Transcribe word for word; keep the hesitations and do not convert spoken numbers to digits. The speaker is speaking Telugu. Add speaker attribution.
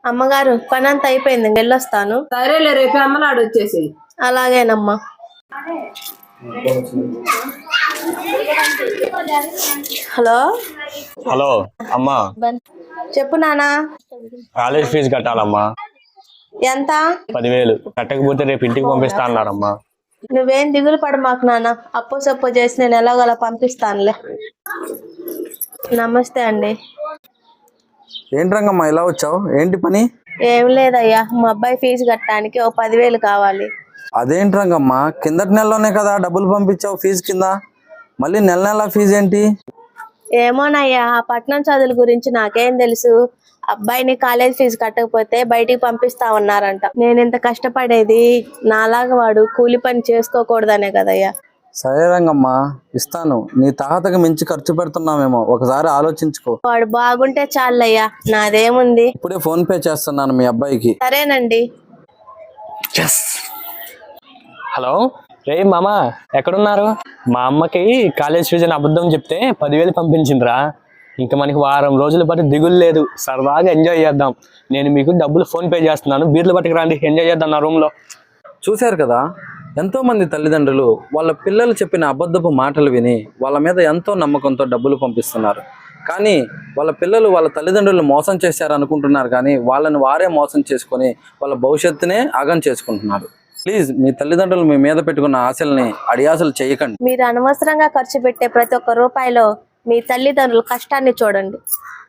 Speaker 1: అమ్మగారు పని అంతా అయిపోయింది, వెళ్ళొస్తాను.
Speaker 2: సరేలే, రేపు అమ్మనాడు వచ్చేసి.
Speaker 1: అలాగేనమ్మా. హలో
Speaker 3: హలో అమ్మా,
Speaker 1: చెప్పు నానా.
Speaker 3: కాలేజ్ ఫీజు కట్టాలమ్మా.
Speaker 1: ఎంత?
Speaker 3: పదివేలు. కట్టకపోతే రేపు ఇంటికి పంపిస్తా అన్నారమ్మా.
Speaker 1: నువ్వేం దిగులు పడ మాకు నాన్న, అప్పు సప్పు చేసి నేను ఎలాగోలా పంపిస్తానులే. నమస్తే అండి.
Speaker 4: ఏంటి రంగమ్మా ఇలా వచ్చావు? ఏంటి పని?
Speaker 1: ఏం లేదయ్యా, మా అబ్బాయి ఫీజు కట్టడానికి ఓ పదివేలు కావాలి.
Speaker 4: అదేంటి రంగమ్మా, కిందటి నెలలోనే కదా డబ్బులు పంపించావు ఫీజు కింద, మళ్ళీ నెల నెల ఫీజు ఏంటి?
Speaker 1: ఏమోనయ్యా, ఆ పట్నం చదువుల గురించి నాకేం తెలుసు. అబ్బాయిని కాలేజ్ ఫీజు కట్టకపోతే బయటికి పంపిస్తా ఉన్నారంట. నేను ఇంత కష్టపడేది నాలాగా వాడు కూలి పని చేసుకోకూడదనే కదయ్యా.
Speaker 4: సరే రంగమ్మా, ఇస్తాను. నీ తాహతకు మించి ఖర్చు పెడుతున్నామేమో, ఒకసారి ఆలోచించుకో.
Speaker 1: వాడు బాగుంటే చాలయ్యా, నాదేముంది.
Speaker 4: ఇప్పుడే ఫోన్ పే చేస్తున్నాను మీ అబ్బాయికి.
Speaker 1: సరేనండి.
Speaker 3: హలో రే మామా, ఎక్కడున్నారు? మా అమ్మకి కాలేజ్ ఫీజు అని అబద్ధం చెప్తే పదివేలు పంపించిందిరా. ఇంకా మనకి వారం రోజుల పాటు దిగులు లేదు, సరదాగా ఎంజాయ్ చేద్దాం. నేను మీకు డబ్బులు ఫోన్ పే చేస్తున్నాను, బీర్లు పట్టుకు రండి, ఎంజాయ్ చేద్దాం నా రూమ్లో.
Speaker 4: చూశారు కదా, ఎంతో మంది తల్లిదండ్రులు వాళ్ళ పిల్లలు చెప్పిన అబద్ధపు మాటలు విని వాళ్ళ మీద ఎంతో నమ్మకంతో డబ్బులు పంపిస్తున్నారు. కానీ వాళ్ళ పిల్లలు వాళ్ళ తల్లిదండ్రులు మోసం చేశారు అనుకుంటున్నారు, కానీ వాళ్ళని వారే మోసం చేసుకొని వాళ్ళ భవిష్యత్తునే ఆగం చేసుకుంటున్నారు. ప్లీజ్, మీ తల్లిదండ్రులు మీ మీద పెట్టుకున్న ఆశల్ని అడియాసలు చేయకండి.
Speaker 1: మీరు అనవసరంగా ఖర్చు పెట్టే ప్రతి ఒక్క రూపాయిలో మీ తల్లిదండ్రుల కష్టాన్ని చూడండి.